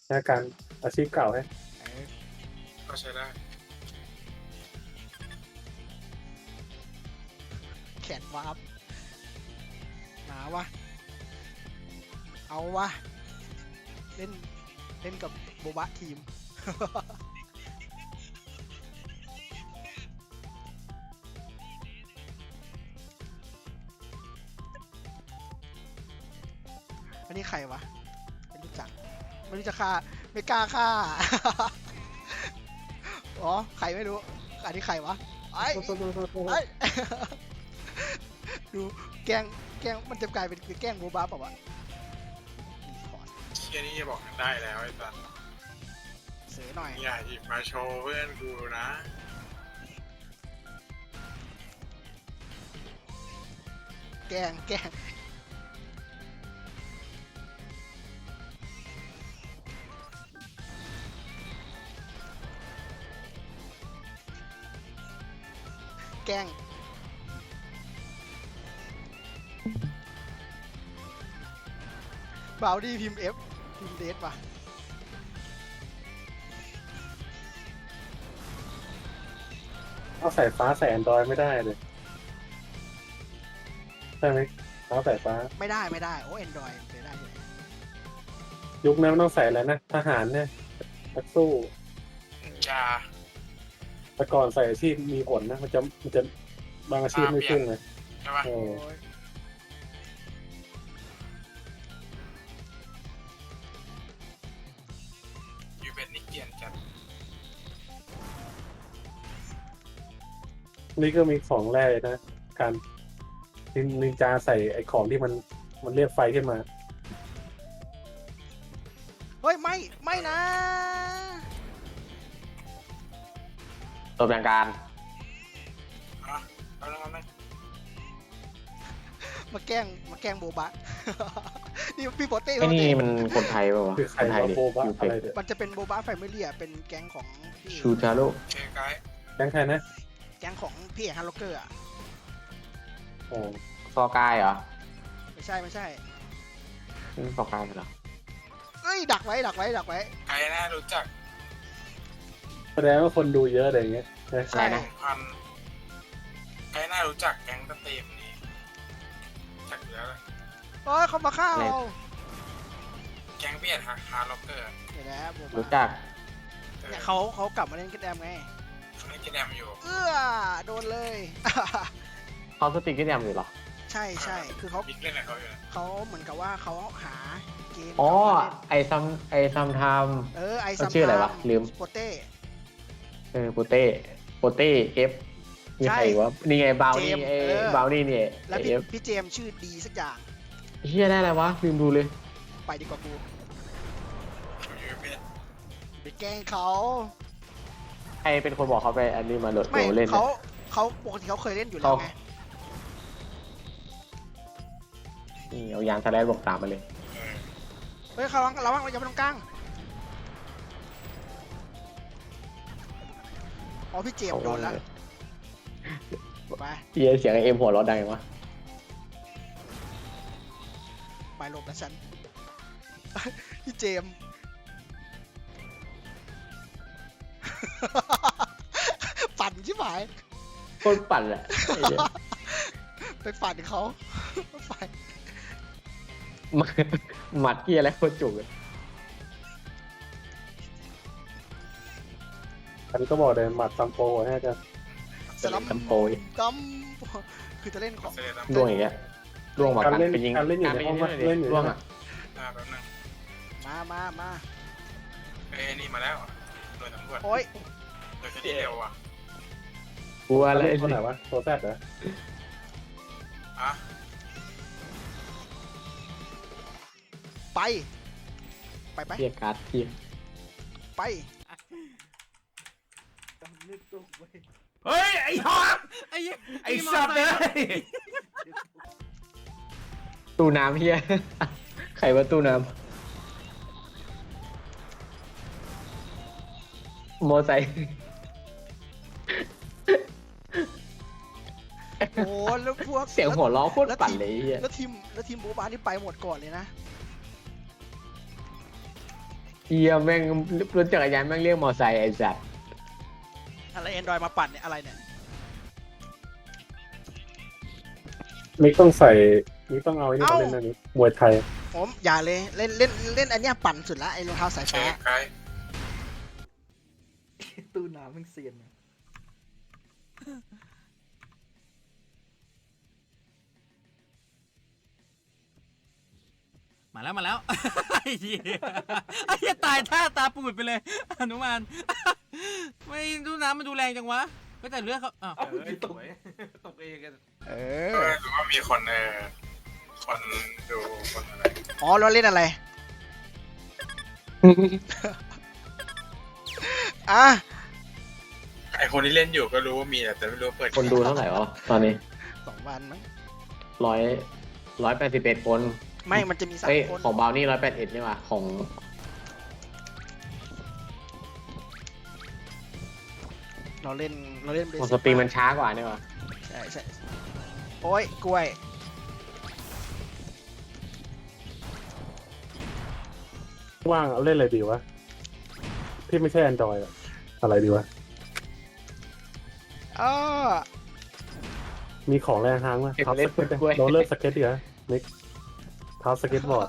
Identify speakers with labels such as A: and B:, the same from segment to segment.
A: นะการอาชีพเก่าให้
B: เออ
C: ก็ใช้ได้
B: แขนวาร์ปหนาวะเอาวะเล่นเล่นกับโบบะทีม อันนี้ใครวะไม่รู้จักไม่รู้จะฆ่าไม่กล้าฆ่า อ๋อใครไม่รู้อันนี้ใครวะไอ้
A: โทษ
B: ไอ้ ดูแกล้งมันจะกลายเป็นแกล้งโบบะเปล่าวะรีพอร์ต
C: เชี่ยนี่จะบอกกันได้แล้วไอ้สัส
B: เสือหน่อย
C: อย่าหยิบมาโชว์เพื่อนกูนะ
B: แกล้งแกล้งบาวดี้พิมพ์ F พิมพ์เดสป่ะ
A: เอาสายฟ้าใส่แอนดรอยไม่ได้เลยใช่ไหมเอาสายฟ้า
B: ไม่ได้โอ้ Android มันใช้ได้อยู่
A: ยุคนั้นมันต้องใส่อะไรนะทหารเนี่ยนักสู้
C: อย่า
A: แต่ก่อนใส่อาชีพมีผลนะมันจะบางอาชีพไม่ขึ้นเลย
C: ใช่ปะ
A: เออ
B: โอ้ย
C: ยูเป็นนิกเกียนจัด
A: นี่ก็มีของแรกเลยนะการนินจาใส่ไอ้ของที่มันเรียกไฟขึ้นมา
B: เฮ้ยไม่นะ
D: ตัวอย่างการ
C: อ่ะเอาแล้วไหม
B: มาแกล้งโบบะ นี่พี่โปเต้
D: ไอ้นี่มันคนไทยป่าวะ
A: คือใคร
D: คนไทย
A: มา
D: ดิ
A: โบบะ
D: ยู
A: อะ
D: เป็
A: ไรเด็ด
B: มันจะเป็นโบบะแฟมิลี่เป็นแก๊งของพี่
D: ชูชาโร่
C: เชไกด์
A: แก๊งใครนะ
B: แก๊งของพี่ฮันล็อกเกอร์อ่ะ
A: โอ้
D: ซอกายเหรอ
B: ไม่ใช่
D: ซอกายเหรอ
B: เอ้ยดักไว้
C: ใครน่ารู้จัก
A: แสดงว่าคนดูเยอะอะไรอย่างเงี้ยนะ
B: ใช่
C: พันใครน่ารู้จักแก๊งสตรีมนี้จักอยู่แล้วเลย
B: โอ้ยเขามาฆ่าเรา
C: แก๊งเบียดฮาร์ล็อกเกอร์
B: เดี๋ยวนะโบบ
D: รู้
B: ะ
D: จัก
B: เนี่ยเขากลับมาเล่นกันแดมไง
C: เขาไม่กินแอมอยู่
B: โดนเลย
D: เขาสติกเกอร์แดมอยู่เหรอ
B: ใช่คือเขา
C: บิ๊กเล่นอะไรเขาอยู่นะ
B: เหมือนกับว่าเขาหาเกม
D: อ๋อ
B: กลับมาเล่น
D: ไอซัมไทม์
B: ไอ
D: เขา
B: ซัม
D: ชื่ออะไรวะลืม
B: โปเต้
D: โปเต้เอฟมีใครวะนี่ไงบาวนี่
B: เจมส์
D: ไอ้บาวนี่เนี่ย
B: แล้ว
D: เอฟ
B: พี่เจมส์ชื่อดีสักอย่าง
D: เฮียได้อะไรวะลืมดูเลย
B: ไปดีกว่ากู
C: ยูเป็น
B: ไปแกล้งเขา
D: ใครเป็นคนบอกเขาไปอันนี้มาโหลด
B: ไม่
D: เล่น
B: เขาปกติเขาเคยเล่นอยู่แล้วไง
D: นี่เอายางสไลด์บอกตามมาเลย
B: เฮ้ยเขาระวังอย่าไปตรงกลางอ๋อพี่เจมส์โดนแล้วไป
D: เฮียเสียงเอ็มหัวเร้อดังวะ
B: ไปหลบนะฉัน พี่เจมส์ ปั่นชิบหาย
D: โคตรปั่นแหละไอ้เหี้ย
B: ไปปั่นเขาไป
D: หมัดเกียอะไรโคตรจุกเลย
A: ฉันก็บอกเลยหมัดซัมโปให้กัน
B: สลัม
D: ตัมโปย
B: ดัมคือจะเล่นของ
C: เซเลตัม
D: ร่วงอย่างเงี้ยร่วงมา
A: การ
D: กัน
A: เล่น
D: ไปยิง
A: การเล่นอยู่ในห้อง
D: ไป
A: เล่นอยู่
D: ร่วง
A: ใน
D: อ่ะ
C: แป๊บนึง
B: มา
C: เอ้ยนี่มาแล้วหน่วยตำรวจ
B: โอ้ย
C: หน่วยคดีเร็วอ่ะ
D: กลัว
A: อะไร
D: เลย
A: คนไหนวะโซแซดเหรอ
C: อ่ะ
B: ไป
D: เรียกการ์ดเทีย
B: ไป
E: เฮ้ย ไอ้ฮอตไอ้สัตว์เลย
D: ตู้น้ำเฮีย ใครว่าตู้น้ำโมอไซค์
B: โอ้แล้วพวก
D: เสียงหัวล้อโคตรปั่นเลยไอ้เฮีย
B: แล้วทีมโบบานี่ไปหมดก่อนเลยนะ
D: เฮียแม่งรถจักรยานแม่งเรียกมอไซค์ไอ้สัตว์
B: อะไรแอนดรอยมาปั่นเนี่ยอะไรเนี่ย
A: มิกต้องใส่มิกต้องเอาไอ้นี่มาเล่นอันนี้มวยไทย
B: ผมอย่าเลยเล่นอันเนี้ยปั่นสุดละไอ้รองเท้าสาย
C: เช
B: ฟ้า
C: ฟไกด์
F: ตู้น้ำมึงเซียนนะ
E: มาแล้วมาแล้ว ไอ้เหี้ยไอ้เหี้ยตายท่าตาปูดไปเลยอนุมาน ไม่ดูน้ำมันดูแรงจังวะไม่แต่เลือดเขาอ้าว
F: เอ้า
E: สวยตกเองกัน
B: เอ
C: ห
B: อ
C: รือว่ามีคนคนดูคนอะไร
B: อ๋อเราเล่นอะไรอ่ะ
C: ไอคนที่เล่นอยู่ก็รู้ว่ามีแต่ไม่รู้ว่าเปิด
D: คนดูเท่าไหร่วะตอนนี้
B: 2 วันมั้ง
D: 181 คน
B: ไม่มันจะมี
D: เอ้ย
B: 3 คน
D: ของบาวนี่181นี่ว่ะของ
B: เราเล่นเบ
D: ของ
B: สิ
D: สตรีมมันช้ากว่านี่ว่ะ
B: ใช่โอ้ยกล้วย
A: ว่างเอาเล่นอะไรดีวะที่ไม่ใช่ Android อะอะไรดีวะ
B: อ้อ
A: มีของแรงฮางไหมทับสเก็ตโรลเลอร์สเก็ตดีกว่ามิกทับสเก็ตบอร์ด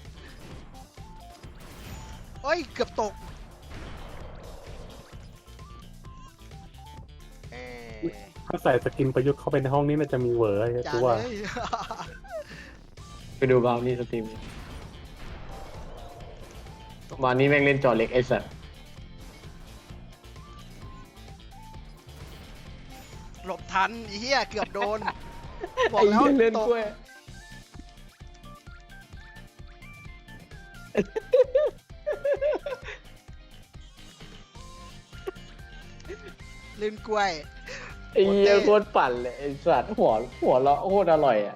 B: โอ้ยเกือบตกเอ๊ะ
A: ถ้าใส่สกินประยุกต์เข้าไปในห้องนี้น่าจะมีเวอร์ไอ้
B: อย่า
A: ตัว
B: เล
A: ว่า
B: ย
D: ไปดูบาวนี่สตรีมบาวนี่แม่งเล่นจอเล็กไอ้สัตว์
B: หลบทันไอ้เหี้ยเกือบโดน บอ
D: ไอ้
B: กแล้ว
D: เหี้ยเล่น
B: ตก
D: กล้วย
B: เล่นกล้วย
D: ไอ้เหี้ยโคตรปั่นเลยไอ้สัตว์หัวเราะโคตรอร่อยอ่ะ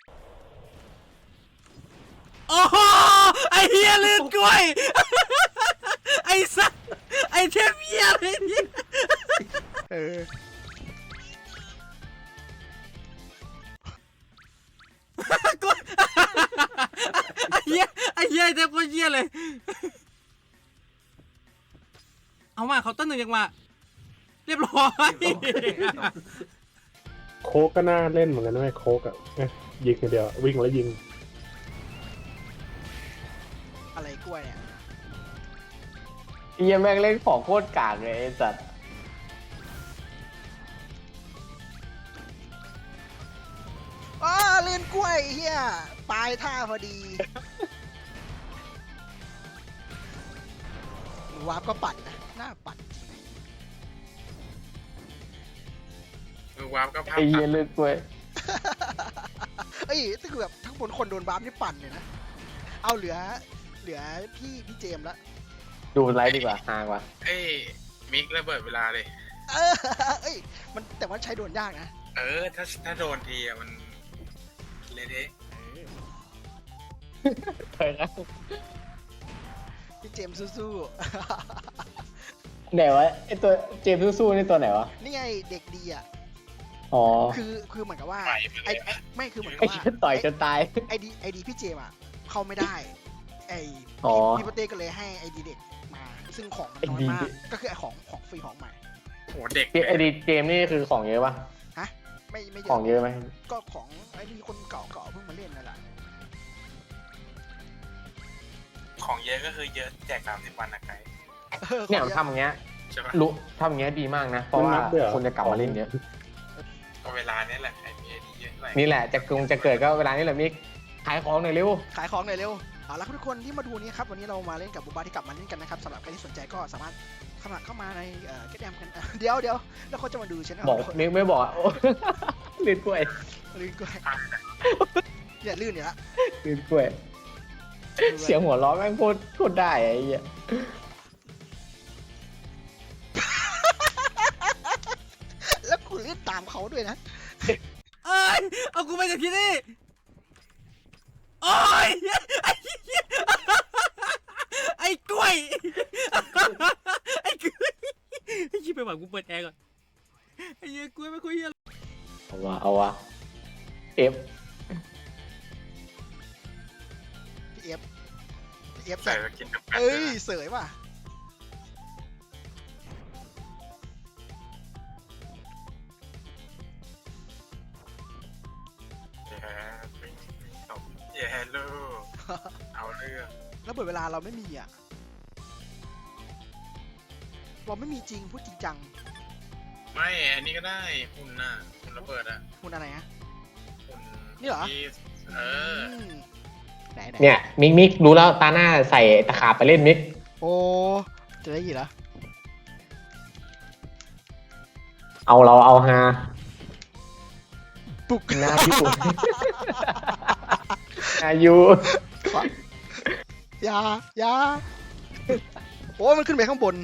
E: โอ้โหไอ้เหี้ยลื่นกล้วย ไอ้สัสไอ้เทพเหี้ยเลยเนี่ย
B: เออ
E: กล้วยไอ้เหี้ยไอ้เหี้ยไอ้เทพโคตรเหี้ยเลย เอามาเขาน์เต้นหนึ่งยังมาเรียบร้อย
A: โค้กก็น่าเล่นเหมือนกันนะไอ้โค้กอ่ะยิงอย่างเดียววิ่งแล้วยิง
B: อะไรกล้วยเนี่ย
D: ไอ้เหี้ยแม่งเล่นของโคตรกากเลยไอ้สัตว์
B: อ้าเล่นกล้วยไอ้เหี้ยปลายท่าพอดีวาร์ปก็ปั่นนะหน้าปั่น
C: มือวาร์ปก็ภาพ
D: ไอ้
C: ตั
D: เหี้ย
C: ด
D: เล่นกล้วย
B: เอ้ยถ้าคือแบบทั้งบนคนโดนวาร์ปนี่ปั่นเลยนะ เอาเหลือพี่เจมส์ละ
D: ดูไลฟ์ดีกว่าฮากว่า
C: เอ้ยมิกระเบิดเวลาเลย
B: เออเอ้ยมันแต่ว่าใช้โดนยากนะ
C: ถ้าโดนทีอะมันเละเทะ
D: เคยครับ
B: พี่เจมส์สู้
D: ไหนวะไอตัวเจมส์สู้ๆนี่ตัวไหนวะ
B: ๆนี่ไงเด็กดีอ่ะ
D: อ๋อ
B: คือเหมือนกับว่า
C: ไปไปเลย
B: ไม่คือเหมือนกับ
D: ไอ้
B: ว่า
D: เหี้ยต่อยจนตาย
B: ไอดีพี่เจมส์อ่ะเข้าไม่ได้ไอ
D: อ๋อ
B: พี่ปเต้ก็เลยให้ไอดีเด็กมา ซึ่งของมันน้อย
D: ไอ้ดี
B: มาก
D: เด็ก
B: ก็คือไอของฟรีของใหม่
C: โหเด็ก
D: ไอดีเจมส์นี่คือของเยอะปะ
B: ฮะไม่เย
D: ของเยอะไหม
B: ก็ของไอดีคนเก่าๆเพิ่งมาเล่นนั่นแหละ
C: ของเยอะก็คือเยอะแจก30 วันนะไกด์
D: เนี่ย
B: ของ
D: ทำอย่างเงี้ย
C: ใช่ปะ
D: รู้ทำอย่างเงี้ยดีมากนะ เพราะว่าคนจะกลับมาเล่นเยอะ
C: ก็เวลาเนี้ยแหละไอมีไอดีเยอะเท่าไหร่
D: นี่แหละจะเกิดก็เวลานี้แหละมิกขายของหน่อยเร็ว
B: ขายของหน่อยเร็วเอาละครับทุกคนที่มาดูนี้ครับวันนี้เรามาเล่นกับบูบาที่กลับมาเล่นกันนะครับสำหรับใครที่สนใจก็สามารถเข้ามาในแกดแดมกันเดี๋ยวแล้วเขาจะมาดูชแนล
D: บอกมิกไม่บอกโอ้ ลื่นกล้วย
B: ลื่นกล้วยอย่าลื่นเนี่ยละ
D: ลื่นกล้วย เสียงหัวเราะแม่งพูดได้ไอ้เหี้ย
B: แล้วกูลื่นตามเขาด้วยนะ
E: เอ้ยเอากูไปจากที่นี่โอ้ยไอ้เหี้ยไอ้กล้วยไอ้กล้วยไอ้ชิบไปหวังกูเปิดแอร์ก่อนไอ้เหี้ยกล้วยไม่คุยเหี้ย
D: เอาวะเอฟ
B: พี่เอฟอฟ
C: ใส่สกินกับแปด
B: เอ้
C: ด้วย
B: ย
C: นะ
B: เสยว่ะ
C: แย่ปิงตบแย่ลูกเอาเรื่อง
B: แล้วเปิดเวลาเราไม่มีอ่ะ เราไม่มีจริงพูดจริงจัง
C: ไม่อันนี้ก็ได้หุ่นน่ะหุ่นระเบิดอะ
B: คุณอะไรฮะ
C: หุ่น
B: นี่เหรอ
C: ที่เออ
B: มไหน
D: เนี่ยมิกรู้แล้วตาหน้าใส่ตะขาบไปเล่นมิก
B: โอ้จะได้ยินเหรอ
D: เอาฮา
B: ปุก
D: หน้าพี่ปุ๋ยอายุ
B: อย่าโอ้มันขึ้นไปข้างบน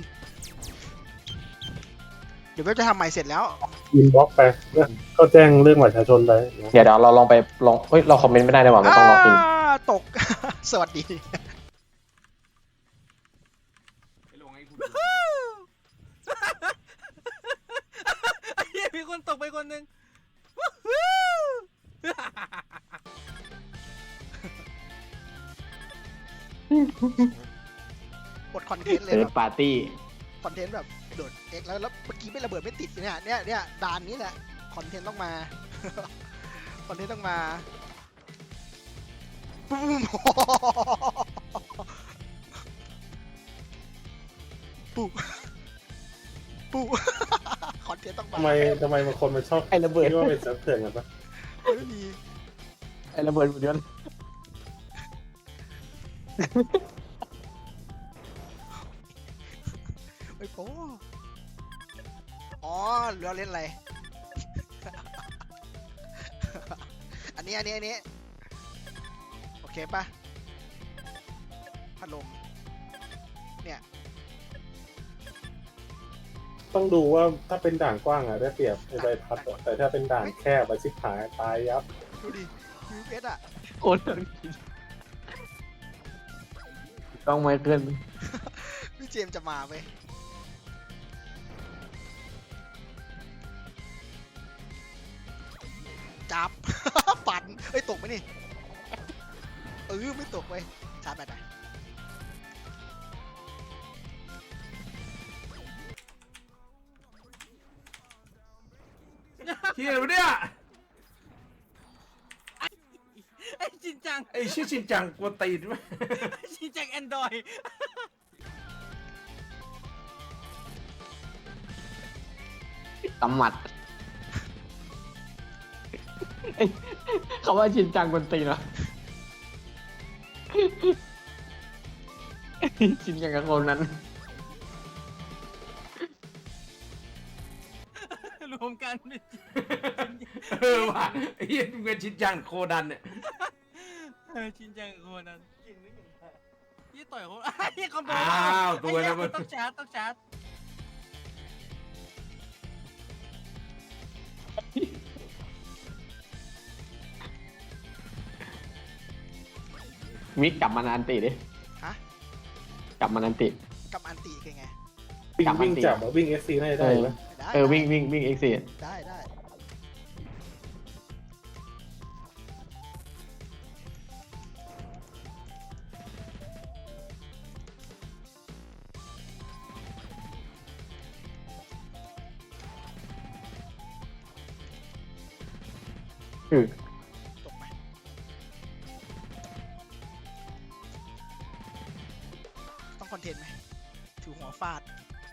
B: เดี๋ยวเว็บจะทำใหม่เสร็จแล้ว
A: อินบ็อกไปก็แจ้งเรื่องบัตรประชาชนไป
D: เดี๋ยวเราลองไปเฮ้ยเราคอมเมนต์ไม่ได้เลยว่ะไม่ต้องลองอิน
B: ตก สวัสดี
E: ไอ้เหี้ยมีคนตกไปคนหนึ่ง
B: กดคอนเทนต์เลย
D: เซิร์
B: แบ
D: ช
B: บ
D: ปาร์ตี้
B: คอนเทนต์แบบโดดเอ็กแล้วเมื่อกี้ไม่ระเบิดไม่ติดเนี่ยด่านนี้แหละ คอนเทนต์ต้องมา คอนเทนต์ต้องมาปุ้ม ปุ๊ปุ๊ คอนเทนต์ต้องมา
A: ทำไมบางคนมันชอบ
D: ไอ้ระเบิด
A: คิดว่าเป็นเซิร์ฟเถื่อนกันปะ
B: ไม่มี
D: ไอ้ระเบิดหุ่นยนต์
B: ไม่โป้อ๋อเราเล่นอะไร อันนี้โอเคปะพัดลม เนี่ย
A: ต้องดูว่าถ้าเป็นด่านกว้างอะได้เปรียบในใบพัดอะแต่ถ้าเป็นด่านแคบไปชิบหายตายยับ
B: ดูดิยูเอสอ่ะ
D: โคตรต้องไม่ขึ้น
B: พี่เจมส์จะมาไหมจับ ปั่นเอ้ย ตกไหมนี่ ไม่ตกเว้ยชาร์จแบตอ่ะ
F: เฮียวะเนี่ย
E: ไอ้ชินจัง
F: ไอ้ชื่อชินจังกวนตีนไหม
E: ชินจังแอนดรอย
D: ตำหมัดเขาว่าชินจังคนตีนเหรอชินจังกับคนนั้น
E: รวมกันเป็น
F: เออว่ะไอ้เฮียมึงเป็นชินจังโคดันเนี่ย
E: ชินจังคนนั้นยี่ต่อยเขาไอ้คอมโบ
F: อ้าวตัวนะมึง
E: ต้องชาร์จ
D: มิกกลับมานันติดิ
B: ฮะ
D: กลับมานันติ
B: กับอันตีคือไง
A: วิ่งจับวิ่งเอสซีได้ไหม
B: ได้
D: วิ่งเอ็กซิส
B: ได้
D: คือ
B: ตกไหมต้องคอนเทนต์ไหมถือหัวฟาด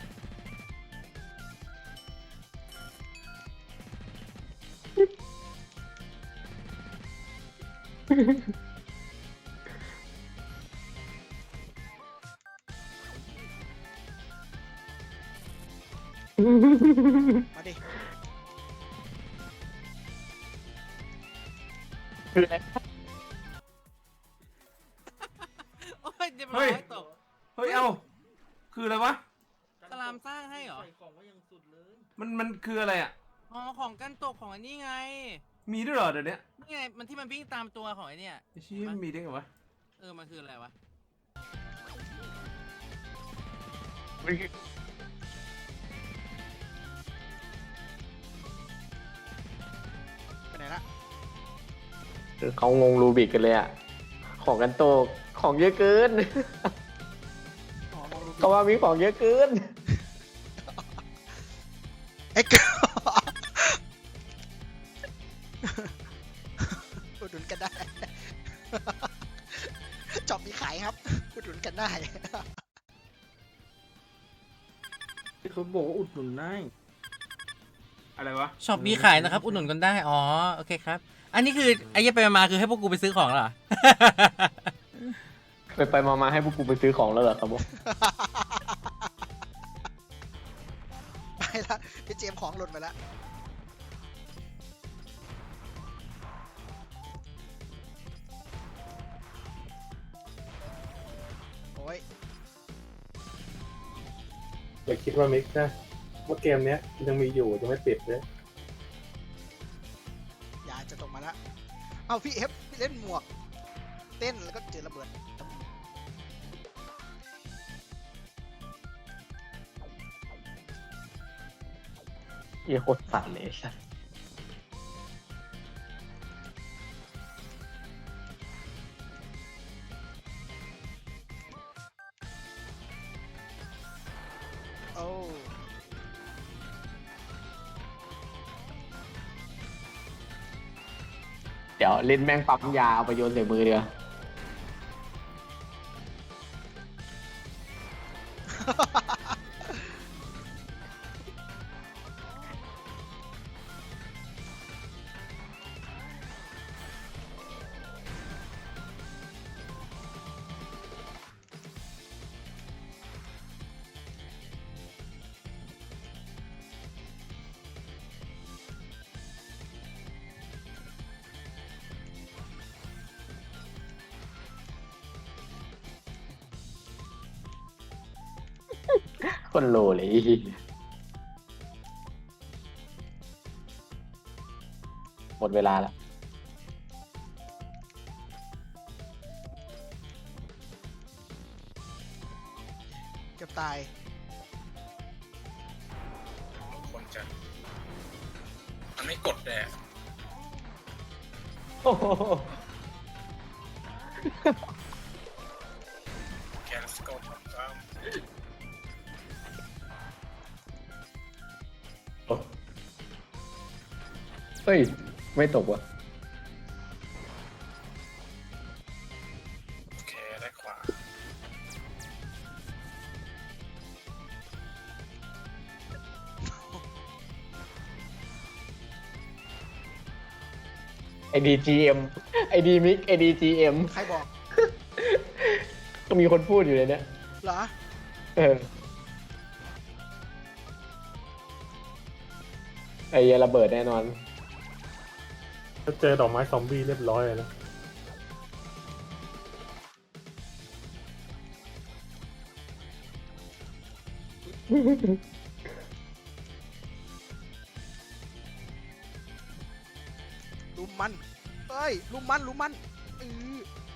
B: มาดิ
D: คืออะไร
E: โอ้ยเดี๋ยวร้อยตก
F: เฮ้ยเอ้าคืออะไรวะ
E: สลามสร้างให้เหรอ
F: มันคืออะไรอ่ะ
E: อ๋อของกันตกของไอ้นี่ไง
F: มีด้วยเหรอเดี๋ยวนี้
E: นี่ไงมันที่มันวิ่งตามตัวของไอ้เนี่ย
F: ไอ้ชี้ยมันมีได้ไงวะ
E: มันคืออะไรวะ
B: ไปไหนละ
D: เขางงรูบิกกันเลยอ่ะ ของกันโตของเยอะเกิน
B: อ๋อมองดูผิด
D: เขาว่ามีของเยอะเกิน
B: เอ็กซ์อุดหนุนกันได้ จอบมีขายครับอุดหนุนกันได้
F: เขาบอกว่าอุดหนุนได้อะไรวะ
E: ช็อปมีขายนะครับ อุดหนุนกันได้ อ๋อ โอเคครับ อันนี้คือไอ้เหี้ยไปมาคือให้พวกกูไปซื้อของเหรอ
D: ไปมาให้พวกกูไปซื้อของแล้วเหรอครับผม
B: ไปละพี่เจมส์ของหล่นไปละโอ้ย
A: อย่าคิดว่ามิกนะว่าเกมเนี้ยยังมีอยู่ยังไม่ปิดเลย
B: ยาจะตกมาแล้วเอ้าพี่เอฟพี่เล่นหมวก เต้นแล้วก็เจอระเบิด
D: เหี้ยโคตรสั่นเลยสัส
B: โอ้
D: เดี๋ยวเล่นแม่งปั๊มยาเอาไปโยนใส่มือเดียว คนโลเลยไอ้เหี้ยหมดเวลาแล้ว
B: เกือบตาย
C: คนจะมันไม่กดเลยอะ
D: โอ้โห
C: แคสโกทำซ้ำ
D: เฮ้ย ไม่ตกว่ะ
C: โอเคได้ขวา
D: ไอดีจีเอ็มไอดีมิกไอดีจีเอ็ม
B: ใครบอก
D: ก็มีคนพูดอยู่เลยเนี่ย
B: เหรอ
D: เออไอเหี้ยระเบิดแน่นอน
A: ถ้าเจอดอกไม้ซอมบี้เรียบร้อยเลยนะ
B: ลุมมันเอ้ย ลุมมันลุมมันอือ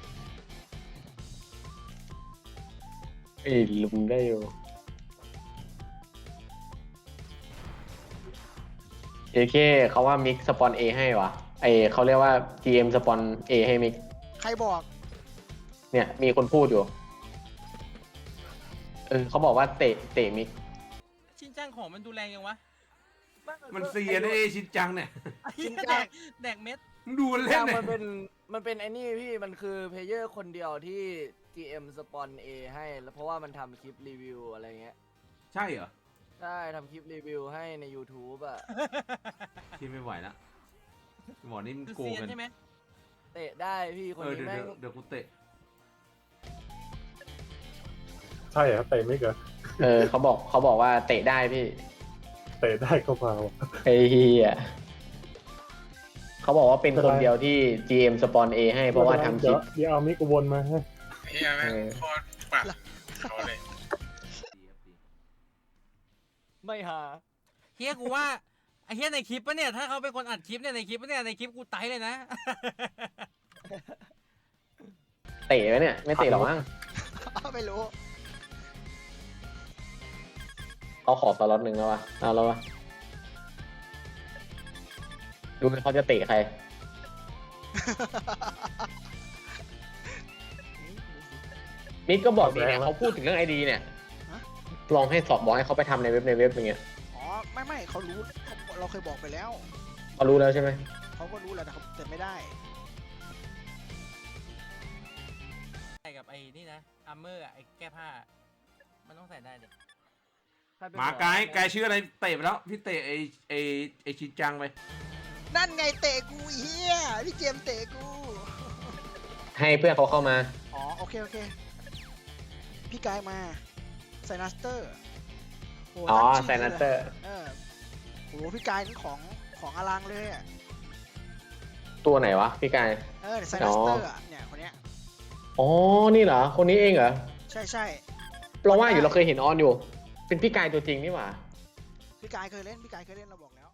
D: ไอ้ลุงได้อยู่เอเคเขาว่ามิกสปอน A ให้วะไอเขาเรียกว่า GM สปอน A ให้มิก
B: ใครบอก
D: เนี่ยมีคนพูดอยู่ เขาบอกว่าเตะมิก
E: ชินจังของมันดูแรงยังวะ
F: มันเสียนะชินจังเนี่ย
E: ชินจังแดกเม็ด
F: มึงดูมันเล่น
G: อย่าง
F: เนี่ย
G: มันเป็นไอ้นี่พี่มันคือเพลเยอร์คนเดียวที่ GM สปอน A ให้แล้วเพราะว่ามันทำคลิปรีวิวอะไรเงี้ย
F: ใช่เหรอ
G: ใช่ทำคลิปรีวิวให้ใน YouTube อ่ะ
F: ที่ไม่ไหวละหมอนี่มัน
E: คือ
F: โกง
E: เซียน
F: กัน
E: ใช่ไหม
G: เตะได้พี่คนนี้
F: เดี๋ยว
G: แม่ง
F: เดี๋ยวกูเตะ
A: ใช่เหรอเตะไม่เกิน
D: เขาบอกว่าเตะได้พี่
A: เตะได้ก็มาว่ะ
D: ไอ้เฮียเขาบอกว่าเป็นคนเดียวที่ GM สปอน A ให้เพราะว่าทำคลิป
A: เดี๋ยวเอามิกวนมาให้
C: เฮียแม่งโคตรปัดเขาเลย
G: ไม่หา
E: เฮียกูว่าไอ้เฮียในคลิปปะเนี่ย ถ้าเขาเป็นคนอัดคลิปเนี่ยในคลิปปะเนี่ยในคลิปกูไตเลยนะ
D: เตะไหมเนี่ย ไม่เตะหรอกมั้ง
B: ไม่รู้
D: เขาขอสล็อตหนึ่งแล้ววะเอาแล้ววะดูเขาจะเตะใครนิกก็บอกดีเนี่ยเขาพูดถึงเรื่องไอดีเนี่ย
B: ฮะ
D: ลองให้สอบบอกให้เขาไปทำในเว็บอย่างเงี้ย
B: อ๋อไม่เขารู้เราเคยบอกไปแล้ว
D: เขารู้แล้วใช่ไหม
B: เขาก็รู้แหละแต่ไม่ได้
E: ใส่กับไอ้นี่นะอาร์เมอร์ไอ้แก้ผ้า มันต้องใส่ได้เด็ก
G: ใครเป็น
F: มา
G: หัว
F: ไกด์ชื่ออะไรเตะไปแล้วพี่เตะไอชินจังไป
B: นั่นไงเตะกูเฮียพี่เจมส์เตะกู
D: ให้เพื่อนเขาเข้ามา
B: อ๋อโอเคพี่กายมาไซนัสเตอร์โห
D: อ๋อ
B: ตั้ง
D: ไซ
B: ชื่
D: นัตเตอร์
B: โหพี่กายนี่ของอลังเลยอ่ะ
D: ตัวไหนวะพี่กาย
B: ไซนัสเตอร์เนี่ยคนเนี้ย
D: อ๋อนี่เหรอคนนี้เองเหรอ
B: ใช่
D: เราว่าอยู่เราเคยเห็นออนอยู่ เป็นพี่กายตัวจริงนี่หว่า
B: พี่กายเคยเล่นเราบอกแล้ว